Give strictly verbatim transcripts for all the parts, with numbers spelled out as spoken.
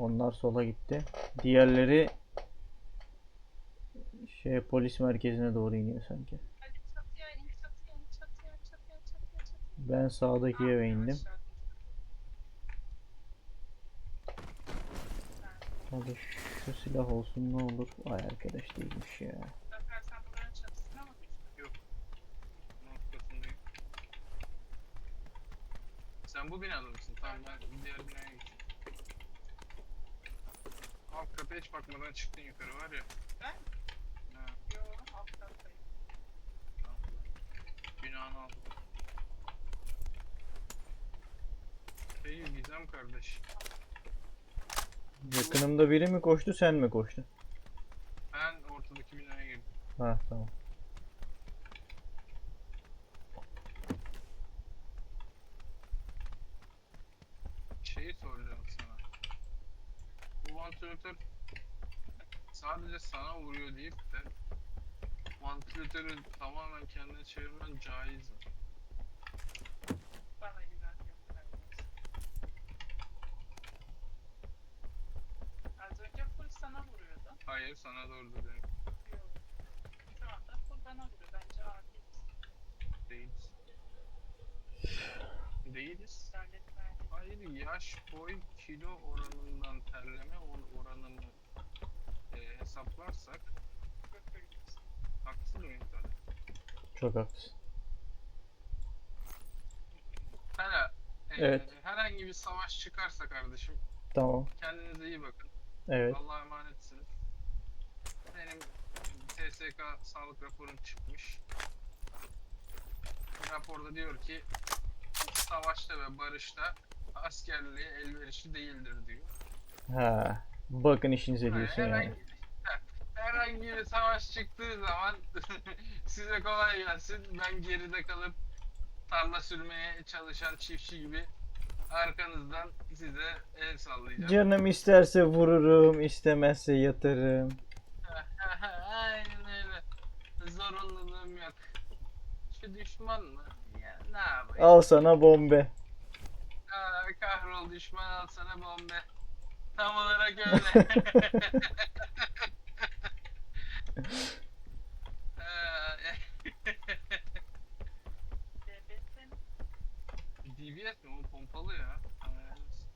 Onlar sola gitti. Diğerleri şey polis merkezine doğru iniyor sanki. Hadi çatıya in, çatıya in, çatıya, çatıya, çatıya, çatıya. Ben sağdaki eve indim. Hadi şu silah olsun ne olur. Vay arkadaş değilmiş ya. Zafer sen bunların çatısına mı düştün? Yok. Noktasındayım. Sen bu binada mısın? Tamam ben diğer binaya geçeyim. Alt kata hiç bakmadan çıktın yukarı var ya. Ben? Ha, Yo, alt kattayım. tamam. Binanı aldım. Hey Gizem kardeş. Yakınımda biri mi koştu sen mi koştun? Ben ortadaki binaya girdim. Ha tamam. Şeyi soracağım sana. Bu vantilatör sadece sana vuruyor deyip de vantilatörü tamamen kendine çevirmen caiz mi? Bana güven göstermiyorsun. Az önce full sana vuruyordu. Hayır sana doğru dedim. Yo. Şu anda full bana vuruyor. Bence adil. Değiliz. Değiliz. Devlet verdi. Hayır yaş, boy, kilo oranından terleme or- oranını e, hesaplarsak Götürüyorsun. haksız mıyım tabii? Çok haklısın. Hala e, Evet. herhangi bir savaş çıkarsa kardeşim Tamam. kendinize iyi bakın. Evet. Allah'a emanetsiniz. Benim T S K sağlık raporum çıkmış. Raporda diyor ki savaşta ve barışta askerliğe elverişli değildir diyor. Ha. Bakın işinize Yani diyorsun yani. herhangi, herhangi bir savaş çıktığı zaman size kolay gelsin. Ben geride kalıp tarla sürmeye çalışan çiftçi gibi arkanızdan size el sallayacağım. Canım isterse vururum, istemezse yatarım. Aynen öyle. Zorunluluğum yok. Şu düşman mı? Ya ne yapayım? Al sana bombe. Aa, kahrol düşman al sana bombe. Tam olarak öyle. Aa, Devletin D B S mi? O pompalı ya. Aa,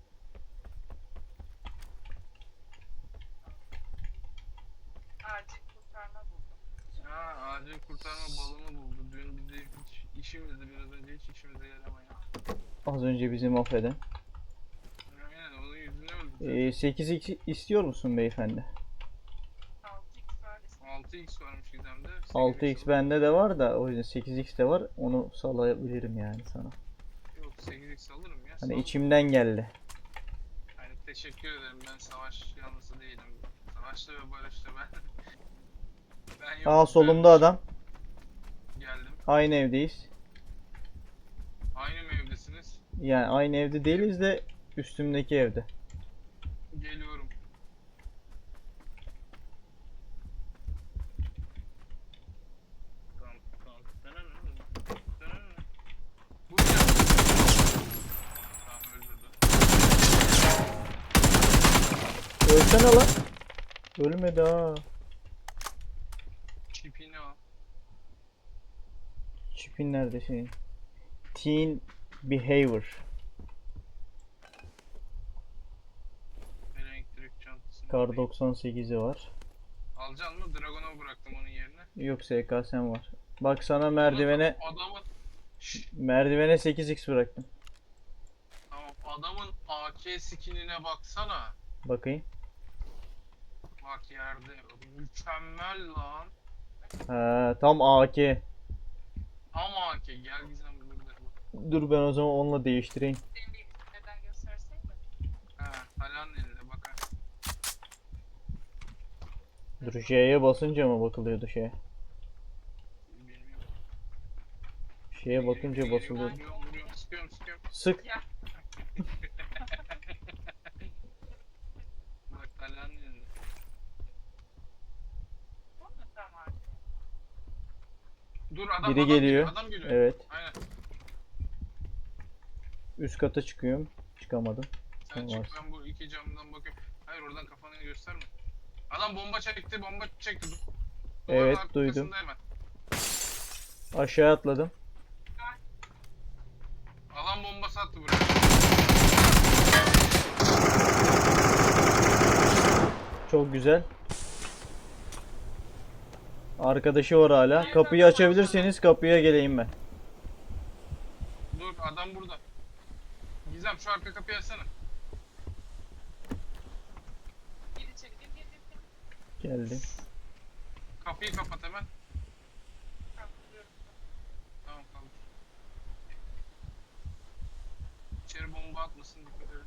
acil kurtarma buldum. Ha, acil kurtarma balonu buldu. Dün bizi hiç işimizdi biraz önce hiç işimize yaramayan. Az önce bizi mahveden. Aynen onun yüzüne öldü. Ee, sekiz x istiyor musun beyefendi? altı x var. altı x varmış Gizem'de. altı x bende de var da o yüzden sekiz x de var. Onu salabilirim yani sana. Yok sekiz x alırım ya. Hani sağ ol. içimden geldi. Yani teşekkür ederim ben savaş yanlısı değilim. Savaşta ve barışta ben. Ben yok. Aa solumda adam. Geldim. Aynı evdeyiz. Aynı mı evdesiniz? Yani aynı evde değiliz de üstümdeki evde. Geliyorum. Tamam, tamam. Bu ne? Tamam öldürdü. Ölsene lan. Ölmedi ha. Çipini al. Çipin nerede senin? Teen Behavior. Elektrik çantasını Kar alayım. doksan sekizi var. Alacaksın mı? Dragon'a bıraktım onun yerine. Yok S K S'm var. Bak sana merdivene Adamın Şşş, merdivene sekiz x bıraktım. tamam adamın A K skinine baksana. Bakayım. Bak yerde. Mükemmel lan. Ha, tam A K. Tam A K. Gel Gizem burada. Dur ben o zaman onunla değiştireyim. Senin bir neden gösterseydin. Ha, Alan elinde bakar. Dur J'ye basınca mı bakılıyordu şeye? Bilmiyorum. Şeye bakınca basılıyordu. Vuruyorum, vuruyorum, sıkıyorum, sıkıyorum. Sık. Ya Bak Alan elinde. bu mu tamam? Dur adam, Biri adam geliyor. Adam geliyor. Evet. Aynen. Üst kata çıkıyorum. Çıkamadım. Sen Sen çık varsın. ben bu iki camdan bakıyorum. Ha, Hayır oradan kafanı gösterme. Adam bomba çekti, bomba çekti. Duvarın Evet, arkasında duydum. hemen. Aşağı atladım. Alan bombası attı buraya. Çok güzel. Arkadaşı var hala. Kapıyı açabilirseniz kapıya geleyim ben. Dur adam burada. Gizem şu arka kapıyı açsana. Gir içeri gir gir gir. gir. Geldim. Kapıyı kapat hemen. Kaldırıyorum. Tamam kaldır. İçeri bomba atmasın dikkat edin.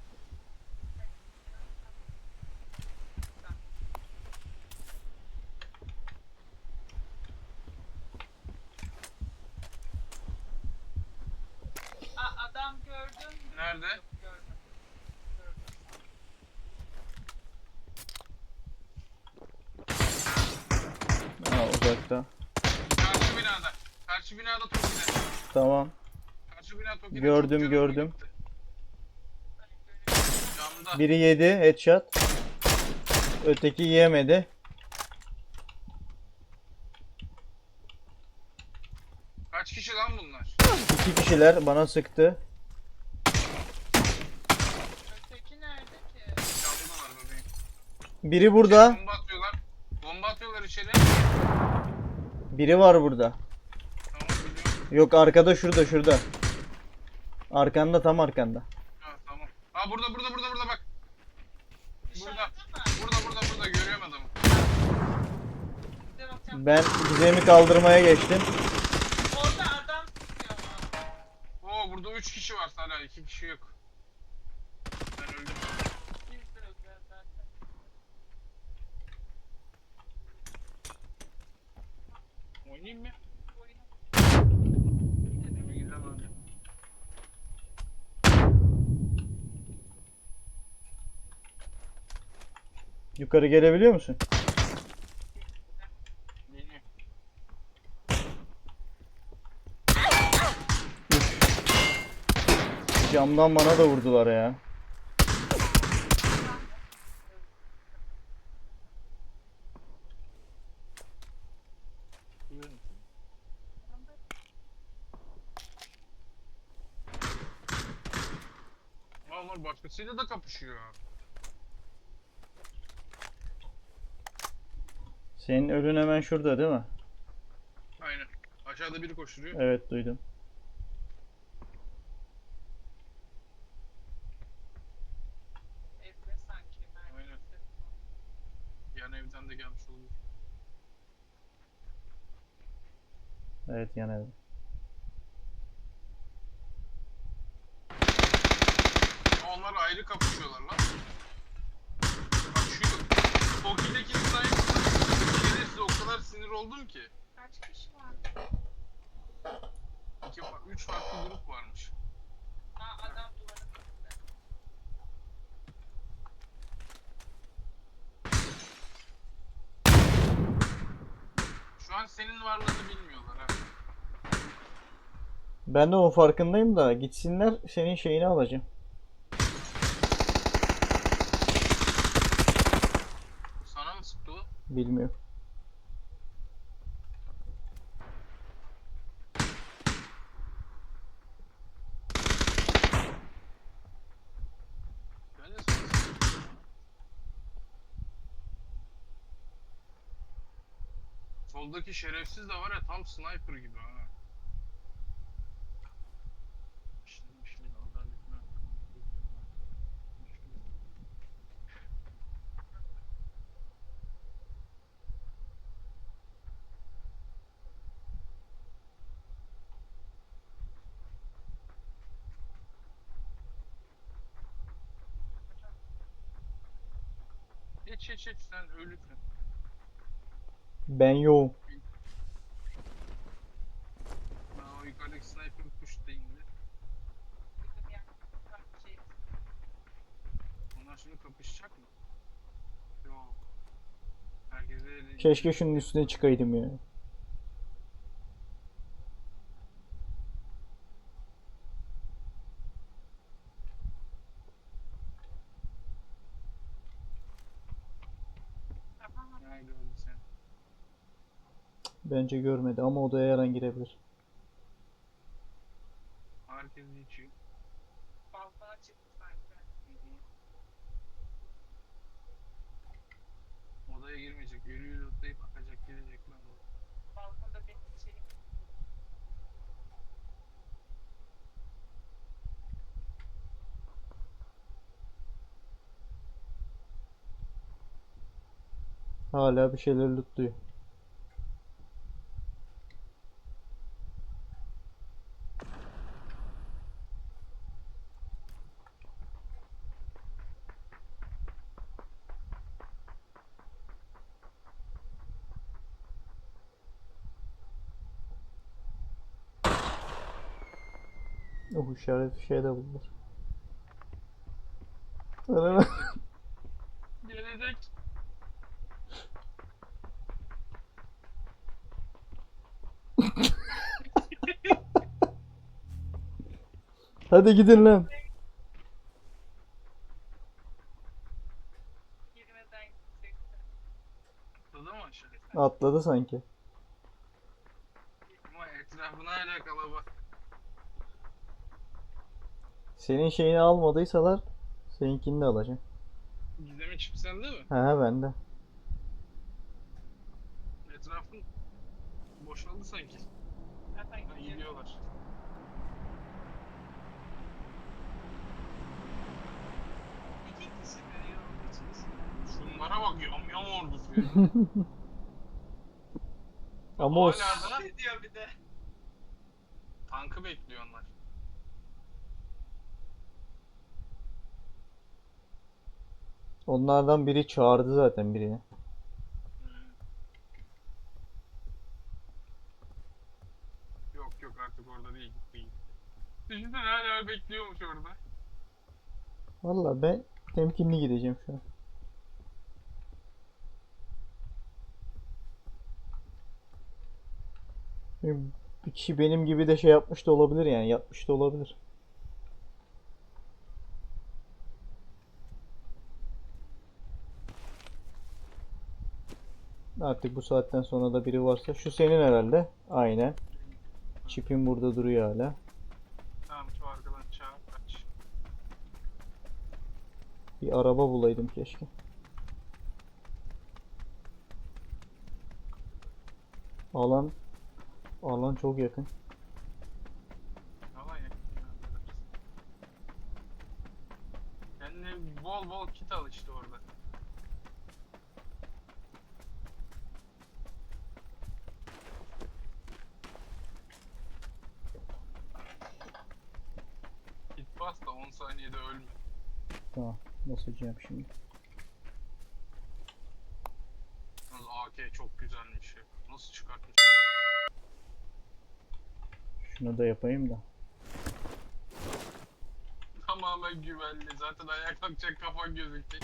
Aa, adam gördün mü? Nerede? Yok, gördüm. Gördüm. Ha, uzakta. Karşı binada. Karşı binada Toki'de. Tamam. Karşı bina Toki'de. Gördüm, çok canım gördüm. gitti. Ben görüyorum. Camda. Biri yedi headshot. Öteki yiyemedi. Kaç kişi lan bunlar? İki kişiler bana sıktı. Öteki nerede ki? Camdalar bebeğim. Biri burada. Bomba atıyorlar. Bomba atıyorlar içeri. Biri var burada. Tamam biliyorum. Yok, arkada, şurada şurada. Arkanda, tam arkanda. Ha tamam. Aa burada burada burada burada bak. Burada. Dışarıda mı? Burada burada burada görüyorum adamı. Bir de bakacağım. Ben Gizem'i kaldırmaya geçtim. Orada adam tutuyor ama. Oo burada üç kişi var hala iki kişi yok. Ben öldüm. Biz de öldüler zaten. Oynayayım mı? Oyunu Güzel öldü. Yukarı gelebiliyor musun? Geliyor. Camdan bana da vurdular ya. Aa, onlar başkasıyla da kapışıyor. Senin ölün hemen şurada değil mi? Aynen. Aşağıda biri koşturuyor. Evet, duydum. evde sanki. Aynen. Yan evden de gelmiş olabilir. Evet, yan ev. Aa, onlar ayrı kapışıyorlar lan. Bak şu Toki'deki sniper size o kadar sinir oldum ki. Kaç kişi var? İki, üç farklı grup varmış. Aa, adam duvarın önünde. Şu an senin varlığını bilmiyorlar ha. Ben de o farkındayım da gitsinler, senin şeyini alacağım. Sana mı sıktı o? Bilmiyorum. Ben de sana sıktım. Soldaki şerefsiz de var ya tam sniper gibi ha. Şimdi şimdi adaletine Geç geç geç sen ölüsün. Ben yoğum. Ben o yukarıdaki sniper push değildi. Bizim yanımızda şey. Onlar şimdi kapışacak mı? Yok. Herkese Keşke şunun üstüne çıkaydım ya. gördü seni. Bence görmedi ama odaya her an girebilir. Herkes geçiyor. Balkona çıktı sanki. Odaya girmeyecek. Ölüyü lootlayıp bakacak, gelecek ben de. Balkonda benim şeyim. Hala bir şeyler lootluyor. Oh, işaret bir şey de buldular. Arama. Gelecek. Hadi gidin lan. Girmeden gidecekti. Atladı mı aşağı? Atladı sanki. Ama etrafına hala kalabalık. Senin şeyini almadıysalar seninkini de alacağım. Gizem'in çipi sende mi? He he bende. Etrafın boşaldı sanki. Zaten Ha, gidiyor. gidiyorlar. İki kişi veriyor. Üç kişi. Şunlara bak, yam yam ordusu ya. Ama o Hala da Ne diyor bir de? tankı bekliyor onlar. onlardan biri çağırdı zaten birini. Yok yok, artık orada değil, gitti gitti. Düşünsene hala bekliyormuş orada. Vallahi ben temkinli gideceğim şu an. Bir kişi benim gibi de şey yapmış da olabilir, yani yapmış da olabilir. Artık bu saatten sonra da biri varsa şu senin herhalde. Aynen. Çipin burada duruyor hala. Tamam, şu arkadan çağır, kaç. Bir araba bulaydım keşke. Alan alan çok yakın. Alan yakın. Kendine bol bol kit al işte orada. Kit bas da on saniyede ölme. Tamam. Basacağım şimdi. Yalnız A K çok güzelmiş ya. Nasıl çıkartmış? Şunu da yapayım da. Tamamen güvenli. Zaten ayağa kalkacak, kafan gözükecek.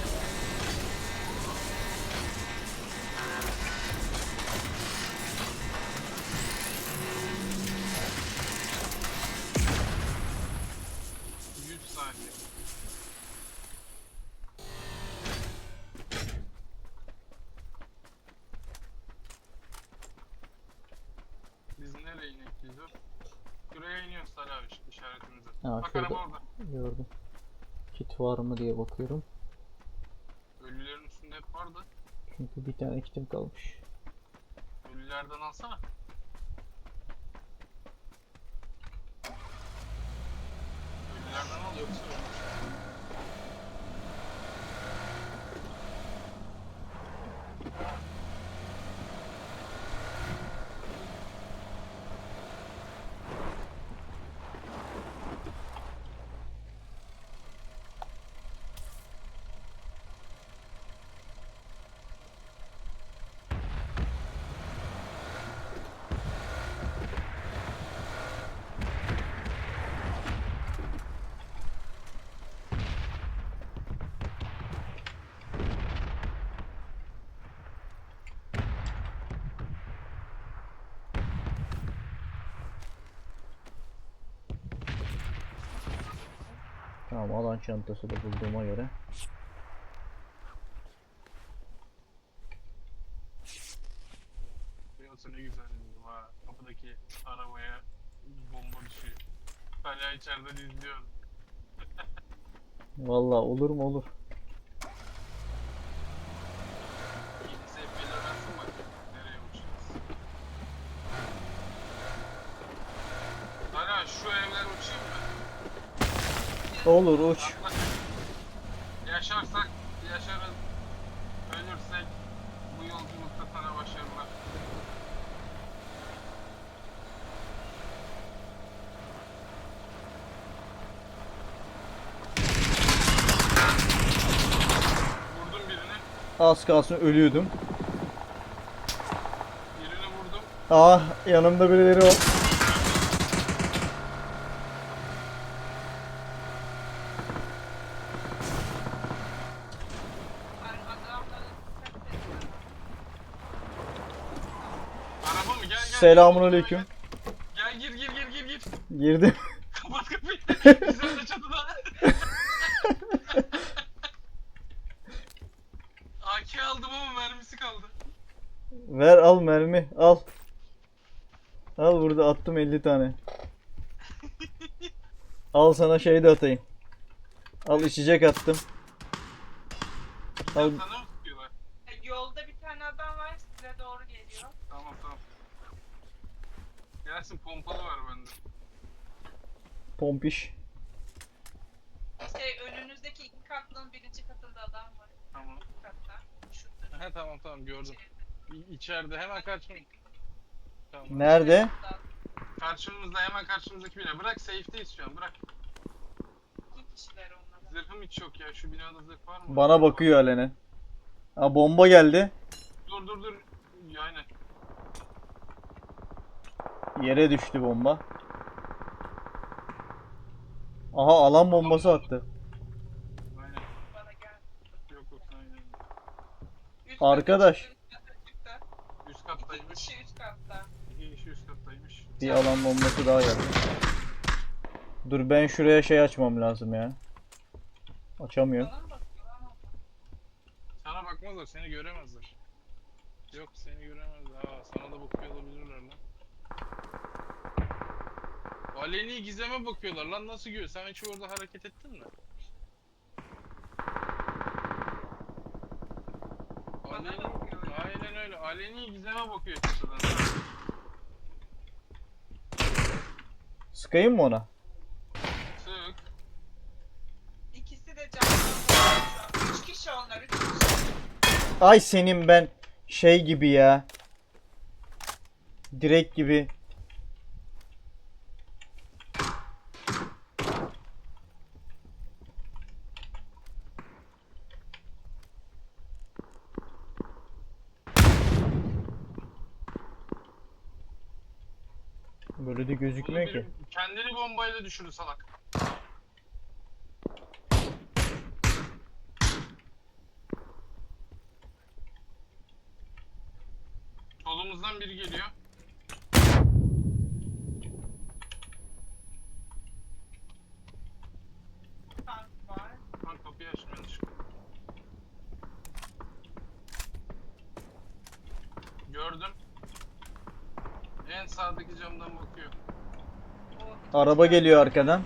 yüz saniye. Biz nereye inek yüzü? Şuraya iniyoruz Salih abi, işaretimize. Ha, Bak şurada. araba orada. Gördüm. Kit var mı diye bakıyorum. Ölülerin üstünde hep vardı. Çünkü bir tane kitim kalmış. Ölülerden alsana. Ölülerden al yoksa ölmüş. Tamam, alan çantası da bulduğuma göre. olsa ne güzel dedim ha. Kapıdaki arabaya bomba düşüyor. Hala içeriden izliyorum. Vallahi olur mu olur. Yeni sevgiyle versin bak. Nereye uçacağız? Hala şu evler uçayım mı? Olur uç. Atla. Yaşarsak yaşarız. Ölürsek bu yolculukta sana başarılar. Vurdum birini. Az kalsın ölüyordum. Birini vurdum. Ah yanımda birileri var. Ben adamları dikkat ediyorum. Araba mı? Gel gel. Selamünaleyküm. Gel gir gir gir gir gir. Girdim. Kapat kapıyı. Güzel de çatıda. A K aldım ama mermisi kaldı. Ver al mermi al. Al burada attım elli tane. Al sana şey de atayım. Al içecek attım. Al. Sana mı tutuyorlar? E, Yolda bir tane adam var size doğru geliyor. Tamam tamam. Gelsin pompalı var bende. Pompiş. Şey önünüzdeki iki katlının birinci katında adam var. Tamam. Bu katta. Şurada. He tamam tamam gördüm. İ- İçeride hemen karşım. Tamam. Nerede? Karşımızda hemen karşımızdaki bina. Bırak safe'deyiz şu an bırak. İki kişiler onlar. Zırhım hiç yok ya. Şu binada zırh var mı? Bana bakıyor Alene. Ha bomba geldi. Dur dur dur. Aynen. Yere düştü bomba. Aha alan bombası attı. Aynen. Bana gel. Yok yok aynen. Üst Arkadaş. kata çıktı, üst Üst kata çıktı. kattaymış. İki kişi üst katta. İki kişi üst kattaymış. Bir alan bombası daha geldi. Dur ben şuraya şey açmam lazım ya. Açamıyorum. Bana mı bakıyor lan o? Sana bakmazlar, seni göremezler. Yok seni göremezler. Aa, sana da bakıyor olabilirler lan. Aleni gizeme bakıyorlar lan, nasıl görüyor? Sen hiç orada hareket ettin mi? Bana Aleni, bakıyor. aynen öyle. Aleni gizeme bakıyor çatıdan. Sıkayım mı ona? Sık. İkisi de camdan. Üç kişi onlar. Üç kişi. Ay senin ben şey gibi ya. Direkt gibi. Böyle de Bunu gözükmüyor ki. bir- kendini bombayla düşürdü salak. Solumuzdan biri geliyor. Tank var. Lan kapıyı açtım yanlışlıkla. Gördüm. En sağdaki camdan bakıyor. O Araba geliyor arkadan.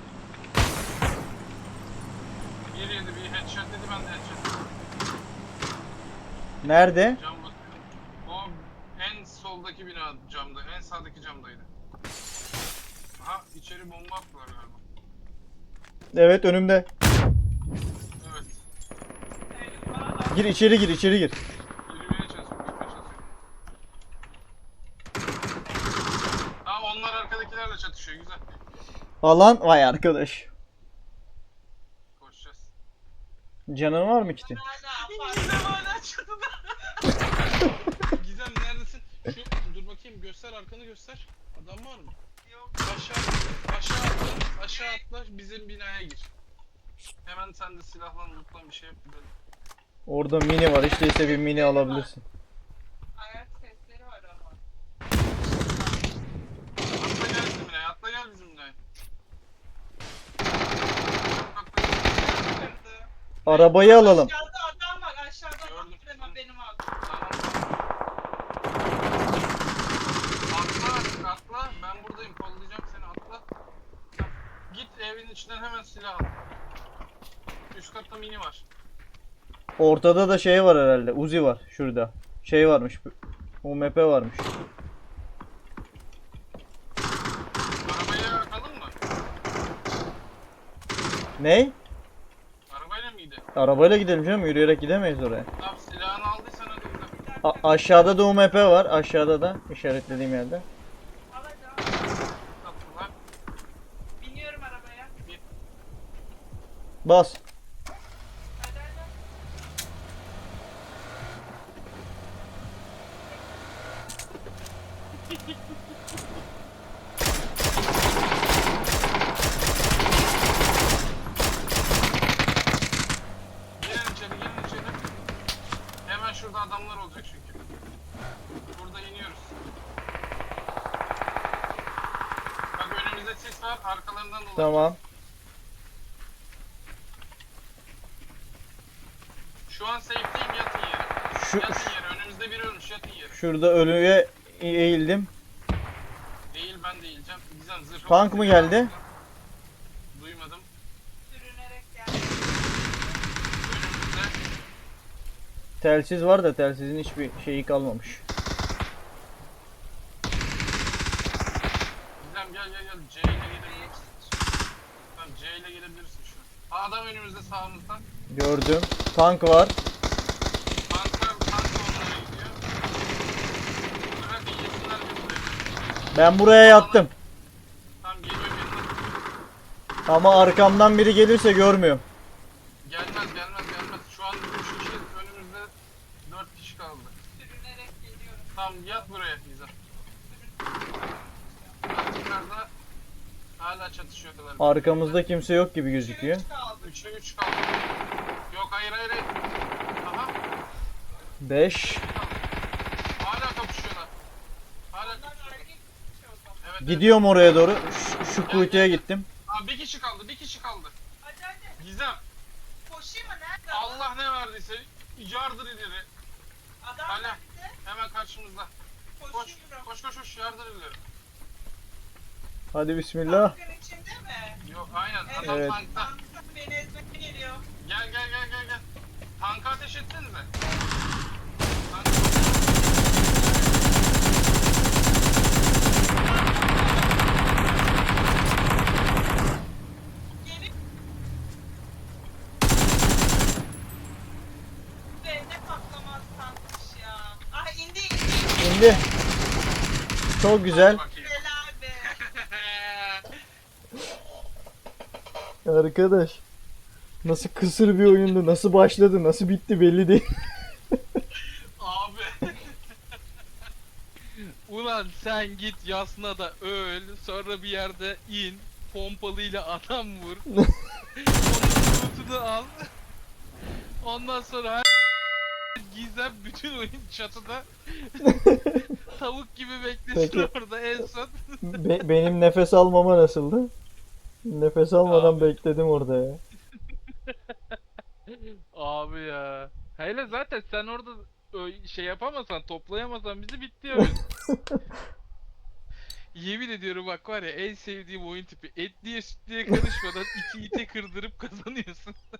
Bir yedi bir headshot dedi, ben de headshot dedim. Nerede? Cam bakıyor. O en soldaki bina camda, en sağdaki camdaydı. Aha içeri bomba attılar galiba. Evet önümde. Evet. Eyvah. Gir içeri gir içeri gir. Yürümeye çalışıyorum, gitmeye çalışıyorum. Aa onlar arkadakilerle çatışıyor, güzel. Alan vay arkadaş. Koşacağız. Canın var mı kitin? Hala Gizem hala çatıda. Gizem neredesin? Şu dur bakayım, göster arkanı göster. Adam var mı? yok. Aşağı aşağı atla, aşağı atla, bizim binaya gir. Hemen sen de silahla lootla bir şey yap. gidelim. Orada mini var. Hiç değilse bir mini alabilirsin. Ayak sesleri var ama. Atla gel bizim binaya, atla gel bizim binaya. Atla. Kırdı. Arabayı alalım. Aşağıda adam var. Aşağıda adam Gördüm. hemen benim aldım. Tamam. içinden hemen silah al. Üst katta mini var. Ortada da şey var herhalde. Uzi var şurada. Şey varmış. U M P varmış. Arabayla bakalım mı? Ney? Arabayla mıydı? Arabayla gidelim canım. Yürüyerek gidemeyiz oraya. Tamam silahını aldıysan hadi gidelim. A- aşağıda da U M P var. Aşağıda da işaretlediğim yerde. Alacağım. Kapılar. Biniyorum arabaya. Bas. Hadi hadi. Gelin içeri gelin içeri. Hemen şurada adamlar olacak çünkü. Burada iniyoruz. Bak önümüzde sis var arkalarından dolayı. Tamam. Şu an safe'deyim yatın yere. Şu, Yatın yere önümüzde biri ölmüş yatın yere. şurada ölüye eğildim. Değil ben değileceğim. Gizem zırhı Tank var. mı geldi? Duymadım. Sürünerek geldim. Önümüzde. Telsiz var da telsizin hiçbir şeyi kalmamış. Gizem gel gel gel. C ile gelebilirsin. Tamam C ile gelebilirsin şu an. Aa, adam önümüzde sağımızda. Gördüm. Tank var. Tanklar tank onlara gidiyor. Bırak yesinler bir buraya. Ben buraya yattım. Tamam geliyor geliyor. Ama arkamdan biri gelirse görmüyorum. Gelmez gelmez gelmez. Şu an üç kişi önümüzde dört kişi kaldı. Sürünerek geliyorum. Tamam yat buraya Gizem. Yukarıda hala çatışıyorlar. Arkamızda kimse yok gibi gözüküyor. Üç kaldı. üçe üç kaldı. Yok hayır hayır hayır. Aha. beş. Hala kapışıyorlar. Hala Bunlar kapışıyorlar. erkek bir şey o zaman. Evet, evet. Gidiyorum oraya doğru. Şu, şu kuytuya gittim. Aa, bir kişi kaldı bir kişi kaldı. Hadi hadi. Gizem. Koşayım mı? Nerede? Allah ne verdiyse yardır ileri. Adam Hala. nerede? Hemen karşımızda. Koş. Koşuyorum. Koş koş koş yardır ileri. Hadi bismillah. Tankın içinde mi? Yok aynen. Evet. Adam Evet. tankta. Tankta beni ezmeye geliyor. Gel gel gel gel gel. Tanka ateş etsenize. Tank... Gelip ve ne patlamaz tankmış ya. Ah indi indi. İndi. Çok güzel. Bakayım. Helal be. Arkadaş. Nasıl kısır bir oyundu. Nasıl başladı. Nasıl bitti belli değil. Abi. Ulan sen git Yasna'da öl, sonra bir yerde in, pompalıyla adam vur. Onun lootunu al. Ondan sonra her Gizem bütün oyun çatıda tavuk gibi beklesin Peki. orada en son. Be- benim nefes almama nasıldı? Nefes almadan Abi. bekledim orada ya. Abi ya. Hele zaten sen orada ö- şey yapamasan, toplayamasan bizi bitti oyun. Yemin ediyorum bak var ya en sevdiğim oyun tipi. Etliye sütlüye karışmadan iki ite kırdırıp kazanıyorsun.